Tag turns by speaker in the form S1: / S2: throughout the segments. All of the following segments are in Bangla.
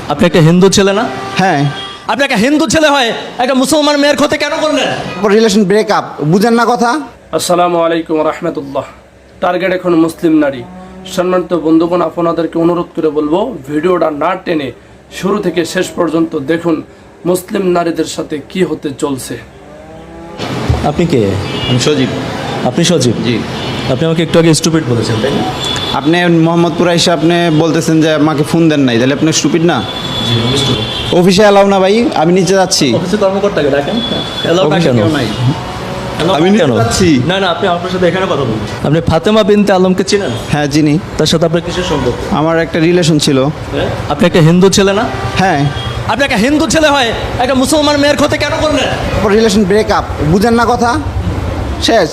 S1: আপনি একটা হিন্দু ছেলে না?
S2: হ্যাঁ,
S1: আপনি একটা হিন্দু ছেলে হয় একটা মুসলমান মেয়ের ক্ষতি কেন করলেন?
S2: রিলেশন ব্রেকআপ, বুঝেন না কথা?
S3: আসসালামু আলাইকুম রহমতুল্লাহ। টার্গেট এখন মুসলিম নারী। সম্মানিত বন্ধুগণ, আপনাদেরকে অনুরোধ করে বলবো ভিডিওটা না টেনে শুরু থেকে শেষ পর্যন্ত দেখুন মুসলিম নারীদের সাথে কি হতে চলছে।
S1: আপনি কে?
S4: আমি সজীব।
S1: আপনি সজীব?
S4: জি।
S1: আপনি আমাকে একটু আগে স্টুপিড বলেছেন, তাই না?
S4: আপনি মোহাম্মদপুর এসে আপনি বলতেছেন যে আমাকে ফোন দেন নাই, তাহলে আপনি স্টুপিড না?
S1: জি, আমি স্টুপিড।
S4: অফিসে এলাও না ভাই, আমি নিচে যাচ্ছি।
S1: অফিসে কর্মকর্তাকে ডাকেন।
S4: অফিসে কেউ নাই। আমি নিচে যাচ্ছি।
S1: না না, আপনি আপনার সাথে এখানে কথা বলুন। আপনি ফাতেমা বিনতে আলমকে চিনেন?
S4: হ্যাঁ চিনি।
S1: তার সাথে আপনার কিসের সম্পর্ক?
S4: আমার একটা রিলেশন ছিল।
S1: আপনি একটা হিন্দু ছেলে না?
S4: হ্যাঁ,
S1: আপনি একটা হিন্দু ছেলে হয় একটা মুসলমান মেয়ের ক্ষতি কেন করলেন?
S2: রিলেশন ব্রেকআপ, বুঝেন না কথা? শেষ।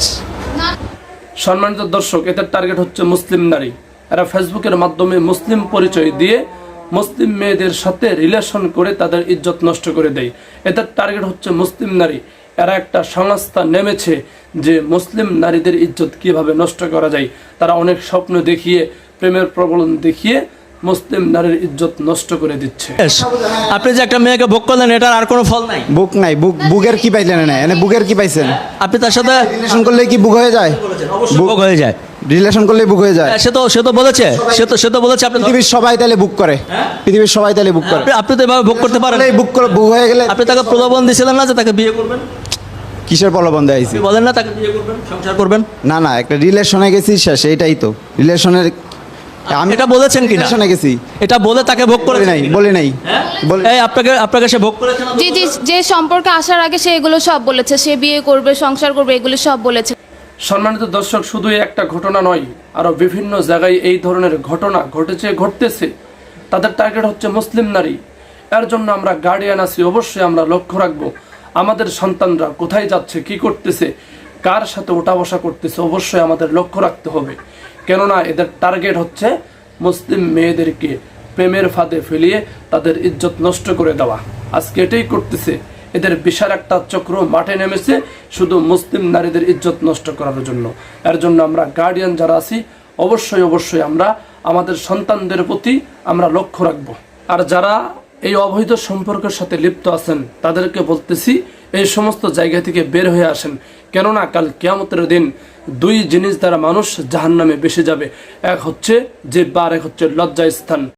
S3: সম্মানিত দর্শক, এদের টার্গেট হচ্ছে মুসলিম নারী। এরা ফেসবুকের মাধ্যমে মুসলিম পরিচয় দিয়ে মুসলিম মেয়েদের সাথে রিলেশন করে তাদের ইজ্জত নষ্ট করে দেয়। এদের টার্গেট হচ্ছে মুসলিম নারী। এরা একটা সংস্থা নেমেছে যে মুসলিম নারীদের ইজ্জত কিভাবে নষ্ট করা যায়। তারা অনেক স্বপ্ন দেখিয়ে, প্রেমের প্রবলন দেখিয়ে মুসলিম নারীর ইজ্জত নষ্ট করে দিচ্ছে।
S1: আপনি যে একটা মেয়েকে ভোগ করলেন, এটার আর কোনো ফল নাই।
S2: বুক নাই, বুকের কি পাইলেন? না এনে বুকের কি পাইছেন?
S1: আপনি তার সাথে
S2: রিলেশন করলে কি বুক হয়ে যায়?
S1: ভোগ হয়ে যায়।
S2: রিলেশন করলে বুক হয়ে যায়।
S1: সে তো বলেছে, সে তো বলেছে আপনি
S2: পৃথিবীর সবাই তাহলে বুক করে। পৃথিবীর সবাই তাহলে বুক করে।
S1: আপনি তো এভাবে ভোগ করতে পারেন।
S2: বুক করে বুক হয়ে গেলে
S1: আপনি তাকে প্রলোভন দিয়েছিলেন না যে তাকে বিয়ে করবেন?
S2: কিসের প্রলোভন দেয়াইছি?
S1: আপনি বলেন না তাকে বিয়ে করবেন, সংসার করবেন?
S2: না না, একটা রিলেশনে গেছি, শেষ। এইটাই তো রিলেশনের। আমি
S1: এটা বলেছেন কিনা?
S2: রিলেশনে গেছি,
S1: এটা বলে তাকে ভোগ করে
S2: বলি নাই, বলি নাই।
S1: এই আপনাকে সে ভোগ করেছে না?
S5: জি জি, যে সম্পর্কে আসার আগে সে এগুলো সব বলেছে, সে বিয়ে করবে, সংসার করবে, এগুলো সব বলেছে।
S3: সম্মানিত দর্শক, শুধু একটা ঘটনা নয়, আরো বিভিন্ন জায়গায় এই ধরনের ঘটনা ঘটেছে, ঘটতেছে। তাদের টার্গেট হচ্ছে মুসলিম নারী। এর জন্য আমরা গার্ডিয়ান আছি, অবশ্যই আমরা লক্ষ্য রাখবো আমাদের সন্তানরা কোথায় যাচ্ছে, কি করতেছে, কার সাথে ওঠা বসা করতেছে, অবশ্যই আমাদের লক্ষ্য রাখতে হবে। কেননা এদের টার্গেট হচ্ছে মুসলিম মেয়েদেরকে প্রেমের ফাঁদে ফেলিয়ে তাদের ইজ্জত নষ্ট করে দেওয়া। আজকে এটাই করতেছে। এদের বিশাল একটা চক্র মাঠে নেমেছে শুধু মুসলিম নারীদের ইজ্জত নষ্ট করার জন্য। এর জন্য আমরা গার্ডিয়ান যারা আছি, অবশ্যই আমরা আমাদের সন্তানদের প্রতি আমরা লক্ষ্য রাখব। আর যারা এই অবৈধ সম্পর্কের সাথে লিপ্ত আছেন তাদেরকে বলতেছি, এই সমস্ত জায়গা থেকে বের হয়ে আসেন। কেননা কাল কিয়ামতের দিন দুই জিনিস দ্বারা মানুষ জাহান্নামে বেসে যাবে। এক হচ্ছে জিহ্বা আর এক হচ্ছে লজ্জাস্থান।